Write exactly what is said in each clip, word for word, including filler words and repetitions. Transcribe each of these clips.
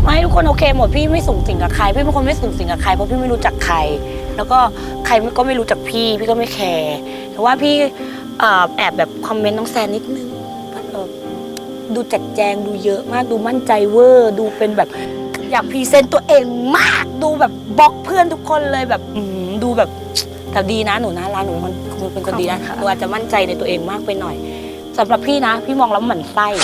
ไม่ทุกคนโอเคหมดพี่ไม่สูงสิงกับใครพี่เป็นคนไม่สูงสิงกับใครเพราะพี่ไม่รู้จักใครแล้วก็ใครก็ไม่รู้จักพี่พี่ก็ไม่แคร์แต่ว่าพี่แอบแบบคอมเมนต์น้องแซนนิดนึงดูจัดแจงดูเยอะมากดูมั่นใจเวอร์ดูเป็นแบบอยากพรีเซนต์ตัวเองมากดูแบบบล็อกเพื่อนทุกคนเลยแบบดูแบบแต่ดีนะหนูนะร้านหนูมันเป็นคนดีนะหนูอาจจะมั่นใจในตัวเองมากไปหน่อยสำหรับพี่นะพี่มองแล้วหมั่นไส้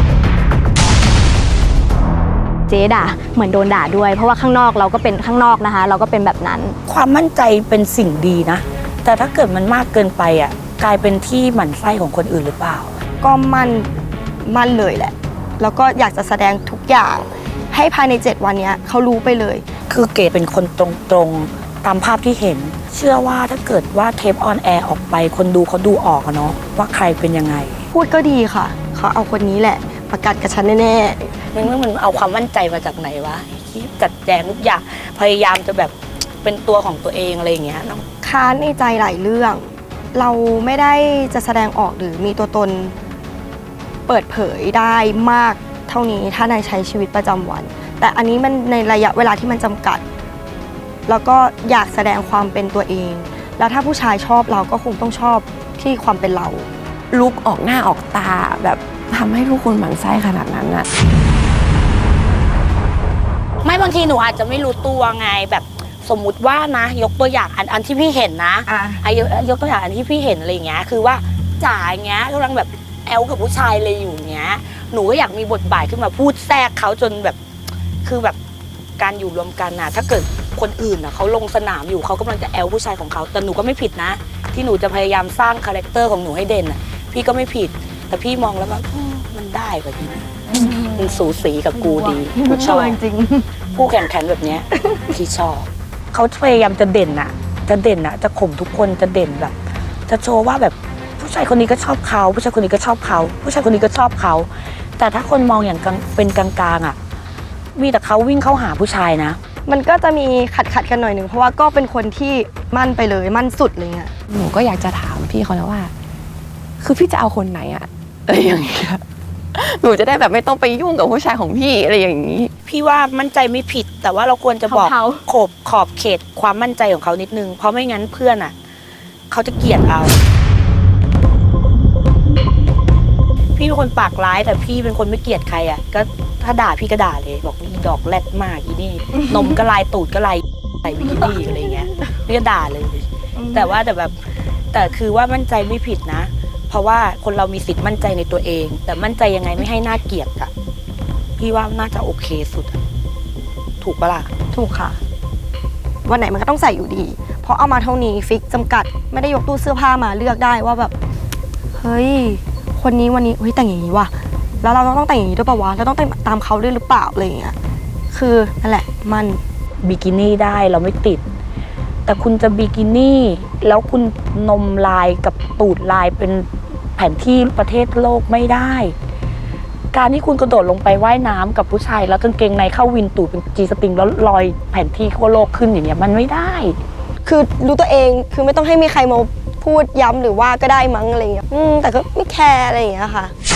เจ๊ด่าเหมือนโดนด่าด้วยเพราะว่าข้างนอกเราก็เป็นข้างนอกนะคะเราก็เป็นแบบนั้นความมั่นใจเป็นสิ่งดีนะแต่ถ้าเกิดมันมากเกินไปอ่ะกลายเป็นที่หมั่นไส้ของคนอื่นหรือเปล่าก็มั่นมั่นเลยแหละแล้วก็อยากจะแสดงทุกอย่างให้ภายในเจ็ดวันนี้เขารู้ไปเลยคือเกดเป็นคนตรงๆตามภาพที่เห็นเชื่อว่าถ้าเกิดว่าเทปออนแอร์ออกไปคนดูเขาดูออกอะเนาะว่าใครเป็นยังไงพูดก็ดีค่ะเขาเอาคนนี้แหละประกาศกับฉันแน่ๆมันมันเอาความมั่นใจมาจากไหนวะที่จัดแจงทุกอย่างพยายามจะแบบเป็นตัวของตัวเองอะไรอย่างเงี้ยค้านในใจหลายเรื่องเราไม่ได้จะแสดงออกหรือมีตัวตนเปิดเผยได้มากเท่านี้ถ้าในใช้ชีวิตประจำวันแต่อันนี้มันในระยะเวลาที่มันจำกัดแล้วก็อยากแสดงความเป็นตัวเองแล้วถ้าผู้ชายชอบเราก็คงต้องชอบที่ความเป็นเราลุกออกหน้าออกตาแบบทำให้ทุกคนหมั่นไส้ขนาดนั้นอะไม่บางทีหนูอาจจะไม่รู้ตัวไงแบบสมมุติว่านะยกตัวอย่างอันอันที่พี่เห็นนะอ่ะยกยกตัวอย่างอันที่พี่เห็นอะไรอย่างเงี้ยคือว่าจ๋าอย่างเงี้ยกำลังแบบแอลกับผู้ชายเลยอยู่เงี้ยหนูก็อยากมีบทบาทขึ้นมาพูดแทรกเขาจนแบบคือแบบการอยู่รวมกันน่ะถ้าเกิดคนอื่นน่ะเขาลงสนามอยู่เขากำลังจะแอลผู้ชายของเขาแต่หนูก็ไม่ผิดนะที่หนูจะพยายามสร้างคาแรคเตอร์ของหนูให้เด่นน่ะพี่ก็ไม่ผิดแต่พี่มองแล้วว่ามันได้กว่านี้มันสูสีกับกูดีกูชอบจริงผู้แข่งขันแบบนี้พี่ชอบเขาพยายามจะเด่นน่ะจะเด่นน่ะจะข่มทุกคนจะเด่นแบบจะโชว์ว่าแบบผู้ชายคนนี้ก็ชอบเขาผู้ชายคนนี้ก็ชอบเขาผู้ชายคนนี้ก็ชอบเขาแต่ถ้าคนมองอย่างเป็นกลางๆอ่ะมีแต่เขาวิ่งเข้าหาผู้ชายนะมันก็จะมีขัดขัดกันหน่อยหนึ่งเพราะว่าก็เป็นคนที่มั่นไปเลยมั่นสุดเลยอ่ะหนูก็อยากจะถามพี่เขานะว่าคือพี่จะเอาคนไหนอะอะไรอย่างเงี้ยหนูจะได้แบบไม่ต้องไปยุ่งกับผู้ชายของพี่อะไรอย่างนี้พี่ว่ามั่นใจไม่ผิดแต่ว่าเราควรจะบอกขอบขอบเขตความมั่นใจของเขานิดนึงเพราะไม่งั้นเพื่อนอ่ะเขาจะเกลียดเราพี่เป็นคนปากร้ายแต่พี่เป็นคนไม่เกลียดใครอ่ะก็ถ้าด่าพี่ก็ด่าเลยบอกอีดอกแรดมากอีนี่นมก็ลายตูดก็ลายใส่บิกินี่อะไรเงี้ยพี่ก็ด่าเลยแต่ว่าแต่แบบแต่คือว่ามั่นใจไม่ผิดนะเพราะว่าคนเรามีสิทธิ์มั่นใจในตัวเองแต่มั่นใจยังไงไม่ให้น่าเกลียดอะพี่ว่าน่าจะโอเคสุดถูกปะล่ะถูกค่ะวันไหนมันก็ต้องใส่อยู่ดีเพราะเอามาเท่านี้ฟิกจำกัดไม่ได้ยกตู้เสื้อผ้ามาเลือกได้ว่าแบบเฮ้ยคนนี้วันนี้เฮ้ยแต่งอย่างนี้ว่ะแล้วเราต้องแต่งอย่างนี้ด้วยป่าววะเราต้องแต่งตามเขาด้วยหรือเปล่าอะไรอย่างเงี้ยคือนั่นแหละมันบิกินี่ได้เราไม่ติดแต่คุณจะบิกินี่แล้วคุณนมลายกับตูดลายเป็นแผนที่ประเทศโลกไม่ได้การที่คุณกระโดดลงไปว่ายน้ำกับผู้ชายแล้วกางเกงในเข้าวินตูดเป็นจีสตริงแล้วลอยแผนที่ทั่วโลกขึ้นอย่างเงี้ยมันไม่ได้คือรู้ตัวเองคือไม่ต้องให้มีใครมาพูดย้ำหรือว่าก็ได้มั้งอะไรอย่างเงี้ยอืมแต่ก็ไม่แคร์อะไรอย่างเงี้ยค่ะ